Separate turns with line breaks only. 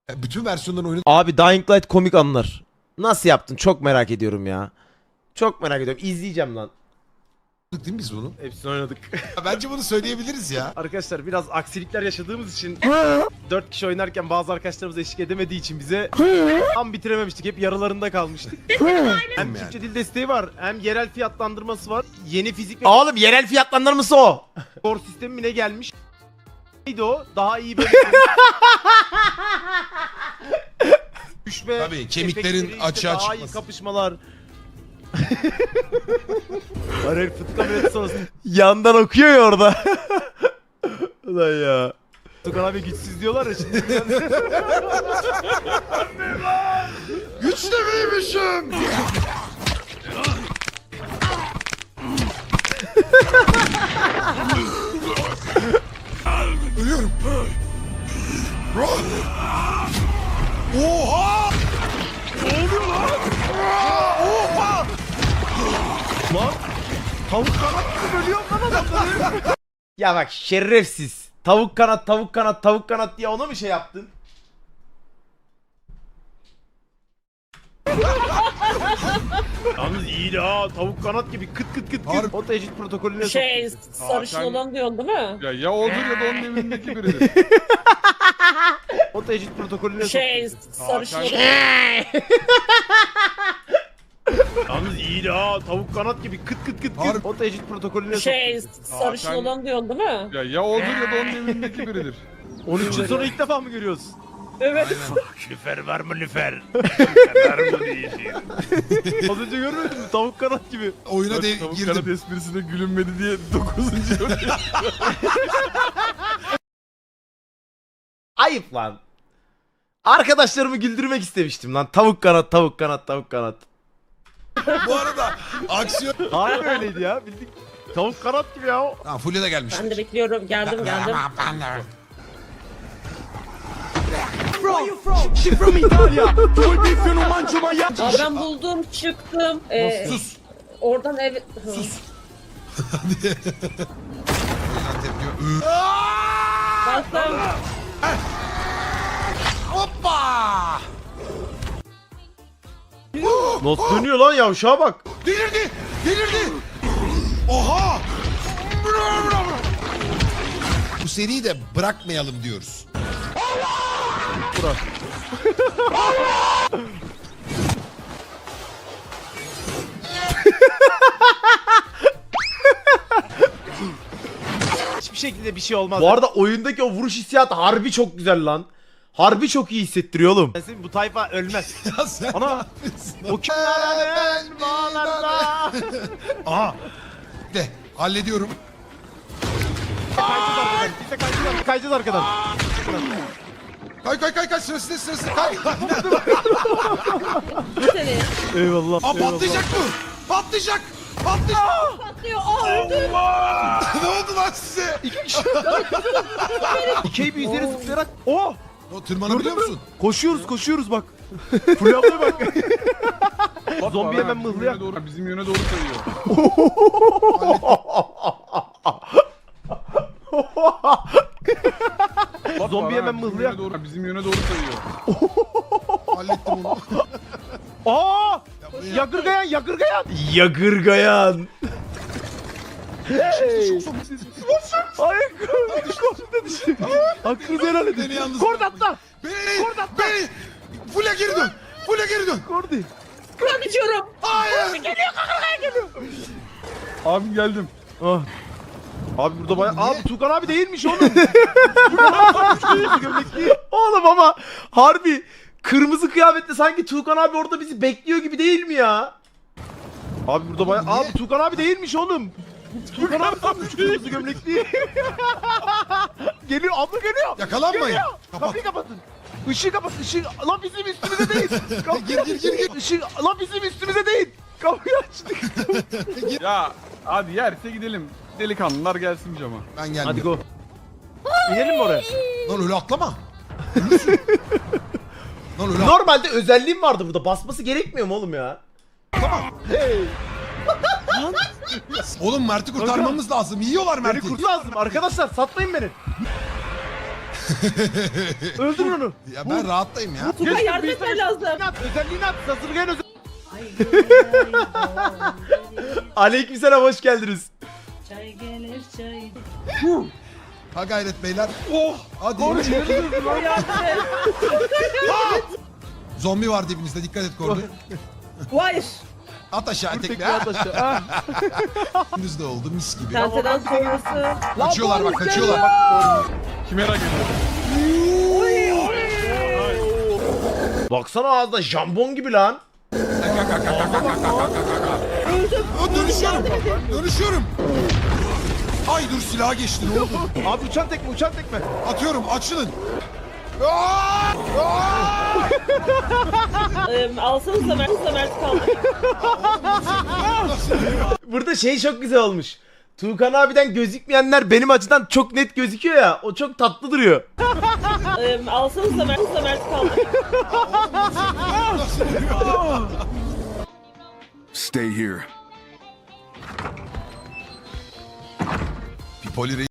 Bütün versiyonlarını oynadık
Abi Dying Light komik anlar. Nasıl yaptın? Çok merak ediyorum ya. Çok merak ediyorum. İzleyeceğim lan.
değil mi biz bunu?
Hepsini oynadık.
Bence bunu söyleyebiliriz ya.
Arkadaşlar biraz aksilikler yaşadığımız için 4 kişi oynarken bazı arkadaşlarımız eşlik edemediği için bize tam bitirememiştik. Hep yarılarında kalmıştık. Hem Türkçe dil desteği var, hem yerel fiyatlandırması var. Yeni fizik ve
Oğlum yerel fiyatlandırması o.
skor sistemi mi ne gelmiş? Neydi o? Daha iyi böyle... Düşme,
Tabii, kemiklerin
efektleri işte,
açığa
daha iyi
çıkması.
kapışmalar. Arel fıtık ameliyatı sonrası
Yandan okuyor ya orada. Ulan ya.
Tukan abi güçsüz diyorlar ya şimdi.
Güçlü müymüşüm? Ölüyorum. Oha!
Ne oluyor lan? Oha! Lan tavuk kanat gibi bölüyor lan adamları.
Ya bak şerefsiz. Tavuk kanat, tavuk kanat, tavuk kanat diye ona mı şey yaptın?
Yalnız iyi ha, tavuk kanat gibi kıt kıt kıt
Harbi.
kıt. O tecrit protokolüne
Şey, sarışın
Hakan-
olan diyorsun değil mi?
Ya odur ya da onun evindeki biridir.
O tecrit protokolüne
Şey, sarışın
Hakan-
olan...
Yalnız iyi ha, tavuk kanat gibi kıt kıt kıt
Harbi.
kıt. O tecrit protokolüne
Şey, sarışın
Hakan-
olan diyorsun değil mi?
Ya odur ya da onun evindeki biridir.
13 yıl sonra ilk defa mı görüyoruz?
Evet.
Lüfer var mı lüfer? Lüfer var mı diyeceğim. Az önce görmedin mi? Tavuk kanat gibi.
Oyuna
Tavuk
girdim.
kanat esprisine gülünmedi diye 9.
Ayıp lan. Arkadaşlarımı güldürmek istemiştim lan. Tavuk kanat, tavuk kanat, tavuk kanat.
Bu arada aksiyon...
Harbi öyleydi ya, bildik. Tavuk kanat gibi ya.
Ha, Fulya da gelmiş.
Ben de bekliyorum. Geldim geldim. Aa, ben buldum, çıktım.
Sus.
Oradan ev...
Sus. Hadi. Tepki.
Baktım.
Hoppa!
Nasıl dönüyor lan yavşağa bak.
Delirdi! Delirdi! Oha! Bravo, bravo. Bu seriyi de bırakmayalım diyoruz.
Hiçbir şekilde bir şey olmaz.
Bu arada oyundaki o vuruş hissiyatı harbi çok güzel lan. Harbi çok iyi hissettiriyor oğlum.
Ben senin bu tayfa ölmez.
Ya sen
Ana!
ne yapıyorsun?
O kimlerin bağlarında.
Aha! De hallediyorum.
Biz de kayacağız arkadan.
Kay sırası kay.
Seni.
Eyvallah.
Aa patlayacak bu. Patlayacak.
Patlıyor. Aa öldüm.
Ne oldu lan size?
İkeyi bir üzeri zıplayarak. Oh!
O tırmanabiliyor musun?
Koşuyoruz bak. Fulya ablaya bak. Zombi hemen mıhlıyor.
Bizim yöne doğru kayıyor.
Zombi hemen mıhlıyor.
Bizim yöne doğru kayıyor.
Hallettim onu.
Aa! Yagırgayan.
Yagırgayan.
Ay korktu düştü. Hakkınızı helal edin.
Beni yalnız
Kord
bırakmayın.
atla.
Beni. Fulya geri dön.
Kordi.
Kur'an içiyorum.
Hayır.
Abi geldim.
Ah. Abi burada bayağı...
Niye?
Abi Tukan abi değilmiş oğlum. Gömlekli.
Oğlum ama harbi kırmızı kıyafetle sanki Tuğkan abi orada bizi bekliyor gibi değil mi ya?
Abi burada bayağı...
Niye?
Abi Tukan abi değilmiş oğlum. Tukan abi sanmış kırmızı gömlekli. Geliyor, abla geliyor.
Yakalanmayın.
Geliyor.
Kapat.
Kapıyı kapatın. Işığı kapat, ışığı. Lan bizim üstümüze değil.
Gir.
Işığı, lan bizim üstümüze değil. Kapıyı açtık.
Ya hadi yerse gidelim. Delikanlılar gelsin cama.
Ben geldim.
Hadi go. İnelim mi oraya?
Lan öyle atlama. Ölürsün. Lan öyle
Normalde özelliğim vardı burada. Basması gerekmiyor mu oğlum ya?
Hey.
Oğlum Mert'i kurtarmamız lazım. Yiyorlar
Beni
Mert'i.
kurt lazım. Arkadaşlar satmayın beni. Öldür onu.
Ya ben rahattayım ya.
Tugay yardım etmen lazım.
Özelliğini at. Sazırgayan özel.
Aleykümselam, hoş geldiniz.
Çay gelir çay.
Ha gayret beyler.
Oh.
Hadi. Zombi var dibimizde, dikkat et Kordi.
Hayır.
At aşağı tekme.
Tekrar at aşağı. Ah.
Gündüz de oldu mis gibi.
Tenteden sonrası.
Kaçıyorlar bak, kaçıyorlar.
Kimera geliyor.
Baksana ağzında jambon gibi lan.
Dönüşüyorum. Dönüşüyorum. Ay dur, silaha geçti, ne oldu?
Abi uçan tekme, uçan tekme.
Atıyorum, açılın.
Alsanıza Mert kaldı.
Burada şey çok güzel olmuş. Tuğkan abiden gözükmeyenler benim açıdan çok net gözüküyor ya. O çok tatlı duruyor.
Alsanıza Mert kaldı.
Stay here.
Pipoli